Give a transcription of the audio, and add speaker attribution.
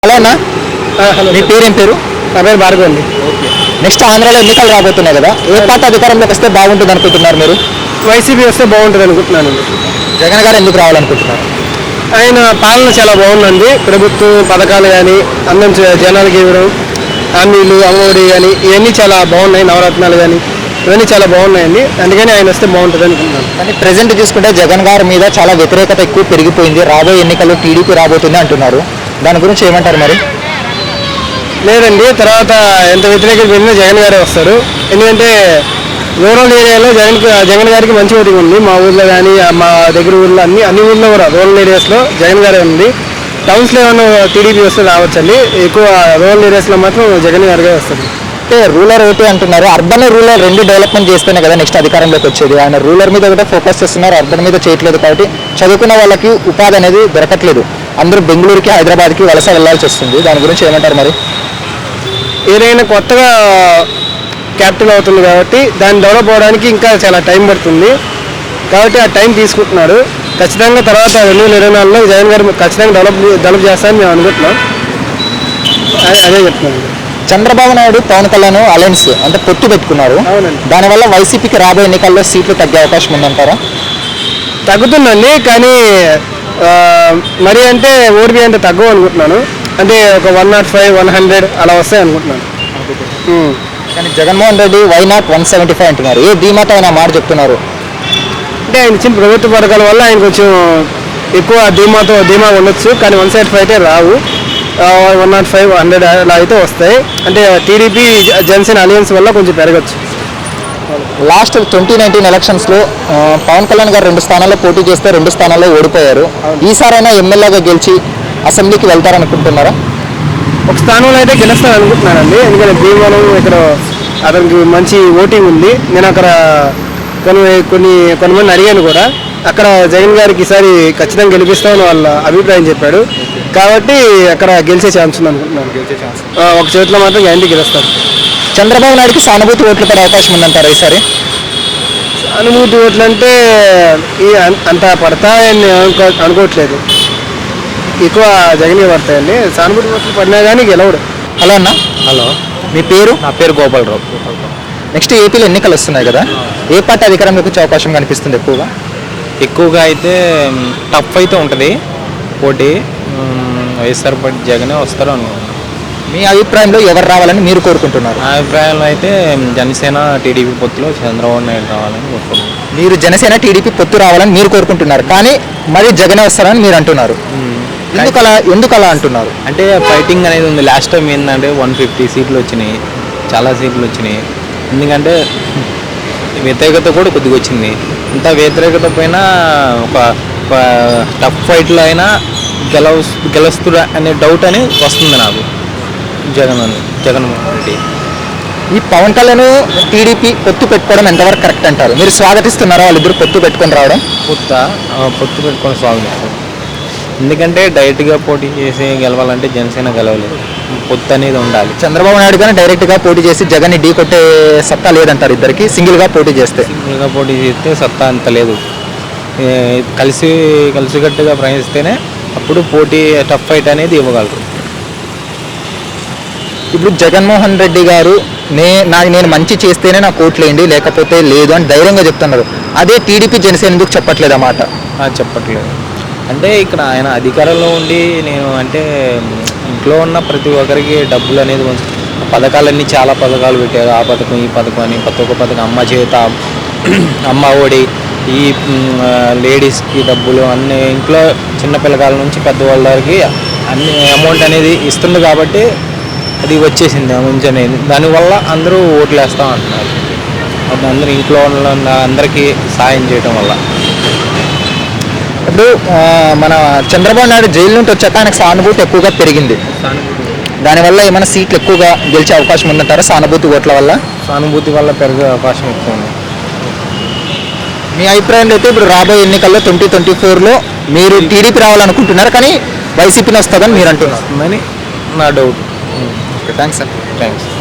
Speaker 1: Hello అన్న.
Speaker 2: Hello,
Speaker 1: మీ పేరేం పేరు?
Speaker 2: నా పేరు భార్గవ్ అండి.
Speaker 1: ఓకే. నెక్స్ట్ ఆంధ్రాలో ఎన్నికలు రాబోతున్నాయి కదా, ఏ పార్టీ అధికారంలోకి వస్తే బాగుంటుంది అనుకుంటున్నారు మీరు?
Speaker 2: వైసీపీ వస్తే బాగుంటుంది అనుకుంటున్నానండి.
Speaker 1: జగన్ గారు ఎందుకు రావాలనుకుంటున్నారు?
Speaker 2: ఆయన పాలన చాలా బాగుందండి. ప్రభుత్వం పథకాలు కానీ అన్నం జనాలకి ఇవ్వడం, హామీలు అమ్మఒడి కానీ ఇవన్నీ చాలా బాగున్నాయి. నవరత్నాలు కానీ ఇవన్నీ చాలా బాగున్నాయండి. అందుకని ఆయన వస్తే బాగుంటుంది అనుకుంటున్నాను.
Speaker 1: కానీ ప్రెసెంట్ చూసుకుంటే జగన్ గారి మీద చాలా వ్యతిరేకత ఎక్కువ పెరిగిపోయింది. రాబోయే ఎన్నికల్లో టీడీపీ రాబోతుంది అంటున్నారు. దాని గురించి ఏమంటారు మరి?
Speaker 2: లేదండి, తర్వాత ఎంత వ్యతిరేకత పెరిగినా జగన్ గారే వస్తారు. ఎందుకంటే రూరల్ ఏరియాలో జగన్ గారికి మంచి ఓటింగ్ ఉంది. మా ఊర్లో కానీ మా దగ్గర ఊర్లో అన్ని ఊర్లో కూడా రూరల్ ఏరియాస్లో జగన్ గారే ఉంది. టౌన్స్లో ఏమైనా టీడీపీ వస్తే రావచ్చండి. ఎక్కువ రూరల్ ఏరియాస్లో మాత్రం జగన్ గారిగా వస్తుంది.
Speaker 1: అంటే రూరల్ ఒకటి అంటున్నారు, అర్బన్ రూరల్ రెండు డెవలప్మెంట్ చేస్తేనే కదా నెక్స్ట్ అధికారంలోకి వచ్చేది. ఆయన రూరల్ మీద కూడా ఫోకస్ చేస్తున్నారు, అర్బన్ మీద చేయట్లేదు. కాబట్టి చదువుకున్న వాళ్ళకి ఉపాధి అనేది దొరకట్లేదు. అందరూ బెంగళూరుకి హైదరాబాద్కి వలస వెళ్లాల్సి వస్తుంది. దాని గురించి ఏమంటారు మరి?
Speaker 2: ఏదైనా కొత్తగా క్యాపిటల్ అవుతుంది కాబట్టి దాన్ని డెవలప్ అవ్వడానికి ఇంకా చాలా టైం పడుతుంది. కాబట్టి ఆ టైం తీసుకుంటున్నాడు. ఖచ్చితంగా తర్వాత 2024లో జగన్ గారు ఖచ్చితంగా డెవలప్ చేస్తారని మేము అనుకుంటున్నాం. అదే చెప్తున్నాను.
Speaker 1: చంద్రబాబు నాయుడు పవన్ కళ్యాణ్ అలయన్స్ అంటే పొత్తు పెట్టుకున్నారు.
Speaker 2: అవునండి.
Speaker 1: దానివల్ల వైసీపీకి రాబోయే ఎన్నికల్లో సీట్లు తగ్గే అవకాశం ఉందంటారా?
Speaker 2: తగ్గుతుందండి, కానీ మరి అంటే ఓడిపి అంటే తక్కువ అనుకుంటున్నాను. అంటే ఒక 105, 100 అలా వస్తాయి అనుకుంటున్నాను.
Speaker 1: కానీ జగన్మోహన్ రెడ్డి వై నాట్ 175 అంటున్నారు. ఏ ధీమాతో ఆయన మాట చెప్తున్నారు?
Speaker 2: అంటే ఆయన ఇచ్చిన ప్రభుత్వ పథకాల వల్ల ఆయన కొంచెం ఎక్కువ ధీమా ఉండొచ్చు. కానీ 175 అయితే రావు. 105, 100 అలా అయితే వస్తాయి. అంటే టీడీపీ జనసేన అలయన్స్ వల్ల కొంచెం పెరగచ్చు.
Speaker 1: లాస్ట్ 2019 ఎలక్షన్స్లో పవన్ కళ్యాణ్ గారు 2 స్థానాల్లో పోటీ చేస్తే 2 స్థానాల్లో ఓడిపోయారు. ఈసారైనా ఎమ్మెల్యేగా గెలిచి అసెంబ్లీకి వెళ్తారనుకుంటున్నారా?
Speaker 2: ఒక స్థానంలో అయితే గెలుస్తాను అనుకుంటున్నానండి. ఎందుకంటే భీమవరం ఇక్కడ అతనికి మంచి ఓటింగ్ ఉంది. నేను అక్కడ కొంతమంది అడిగాను కూడా. అక్కడ జగన్ గారికి ఈసారి ఖచ్చితంగా గెలిపిస్తామని వాళ్ళ అభిప్రాయం చెప్పాడు. కాబట్టి అక్కడ గెలిచే ఛాన్స్ ఉంది అనుకుంటున్నాను. ఒక చేతిలో మాత్రం గ్యారంటీ గెలుస్తాను.
Speaker 1: చంద్రబాబు నాయుడుకి సానుభూతి ఓట్లు పడే అవకాశం ఉందంటారా ఈసారి?
Speaker 2: సానుభూతి ఓట్లు అంటే అంత పడతాయని అనుకోవట్లేదు. ఎక్కువ జగనే పడతాయండి. సానుభూతి ఓట్లు పడినా కానీ గెలవడు.
Speaker 1: హలో అన్న.
Speaker 3: హలో,
Speaker 1: మీ పేరు?
Speaker 3: నా పేరు గోపాలరావు.
Speaker 1: నెక్స్ట్ ఏపీలో ఎన్నికలు వస్తున్నాయి కదా, ఏ పార్టీ అధికారంలోకి వచ్చే అవకాశం కనిపిస్తుంది ఎక్కువగా?
Speaker 3: ఎక్కువగా అయితే టఫ్ అయితే ఉంటుంది పోటీ. వైఎస్ఆర్ పార్టీ జగనే వస్తారు అనుకుంటున్నాను.
Speaker 1: మీ అభిప్రాయంలో ఎవరు రావాలని మీరు కోరుకుంటున్నారు?
Speaker 3: నా అభిప్రాయంలో అయితే జనసేన టీడీపీ పొత్తులో చంద్రబాబు నాయుడు రావాలని కోరుకుంటున్నాను.
Speaker 1: మీరు జనసేన టీడీపీ పొత్తు రావాలని మీరు కోరుకుంటున్నారు, కానీ మరి జగనే వస్తారని మీరు అంటున్నారు. ఎందుకు అలా అంటున్నారు?
Speaker 3: అంటే ఫైటింగ్ అనేది ఉంది. లాస్ట్ టైం ఏంటంటే 150 సీట్లు వచ్చినాయి, చాలా సీట్లు వచ్చినాయి. ఎందుకంటే వ్యతిరేకత కూడా కొద్దిగా వచ్చింది. ఇంత వ్యతిరేకత పైన ఒక టఫ్ ఫైట్లో అయినా గెలుస్తుడా అనే డౌట్ అని వస్తుంది నాకు. జగన్మోహన్ రెడ్డి
Speaker 1: ఈ పవన్ కళ్యాణ్ టీడీపీ పొత్తు పెట్టుకోవడం ఎంతవరకు కరెక్ట్ అంటారు? మీరు స్వాగతిస్తున్నారా వాళ్ళిద్దరు పొత్తు పెట్టుకొని రావడం?
Speaker 3: పొత్తు పెట్టుకొని స్వాగతిస్తాం. ఎందుకంటే డైరెక్ట్గా పోటీ చేసి గెలవాలంటే జనసేన గెలవలేదు. పొత్తు అనేది ఉండాలి.
Speaker 1: చంద్రబాబు నాయుడు కానీ డైరెక్ట్గా పోటీ చేసి జగన్ని ఢీ కొట్టే సత్తా లేదంటారు. ఇద్దరికి సింగిల్గా పోటీ చేస్తే
Speaker 3: సత్తా అంత లేదు. కలిసికట్టుగా ప్రయాణిస్తేనే అప్పుడు పోటీ టఫ్ ఫైట్ అనేది ఇవ్వగలరు.
Speaker 1: ఇప్పుడు జగన్మోహన్ రెడ్డి గారు నేను మంచి చేస్తేనే నాకు ఓట్లు వేయండి, లేకపోతే లేదు అని ధైర్యంగా చెప్తున్నారు. అదే టీడీపీ జనసేన ఎందుకు చెప్పట్లేదు అన్నమాట?
Speaker 3: చెప్పట్లేదు అంటే ఇక్కడ ఆయన అధికారంలో ఉండి నేను అంటే ఇంట్లో ఉన్న ప్రతి ఒక్కరికి డబ్బులు అనేది పథకాలన్నీ చాలా పథకాలు పెట్టారు. ఆ పథకం ఈ పథకం అని ప్రతి ఒక్క పథకం, అమ్మ చేత, అమ్మ ఒడి, ఈ లేడీస్కి డబ్బులు అన్ని ఇంట్లో చిన్న పిల్లకాయల నుంచి పెద్దవాళ్ళ వరకు అన్ని అమౌంట్ అనేది ఇస్తుంది. కాబట్టి అది వచ్చేసింది మంచి అనేది. దానివల్ల అందరూ ఓట్లు వేస్తాం అంటున్నారు. అది అందరూ ఇంట్లో ఉన్న అందరికీ సాయం చేయడం వల్ల.
Speaker 1: ఇప్పుడు మన చంద్రబాబు నాయుడు జైలు నుండి వచ్చాక ఆయనకు సానుభూతి ఎక్కువగా పెరిగింది. దానివల్ల ఏమైనా సీట్లు ఎక్కువగా గెలిచే అవకాశం ఉందంటారా? సానుభూతి ఓట్ల వల్ల?
Speaker 3: సానుభూతి వల్ల పెరిగే అవకాశం ఎక్కువ ఉంది.
Speaker 1: మీ అభిప్రాయంలో అయితే ఇప్పుడు రాబోయే ఎన్నికల్లో 2024లో మీరు టీడీపీ రావాలనుకుంటున్నారు, కానీ వైసీపీని వస్తుందని మీరు అంటున్నారు.
Speaker 3: నా డౌట్.
Speaker 1: Thanks sir.
Speaker 3: థ్యాంక్స్.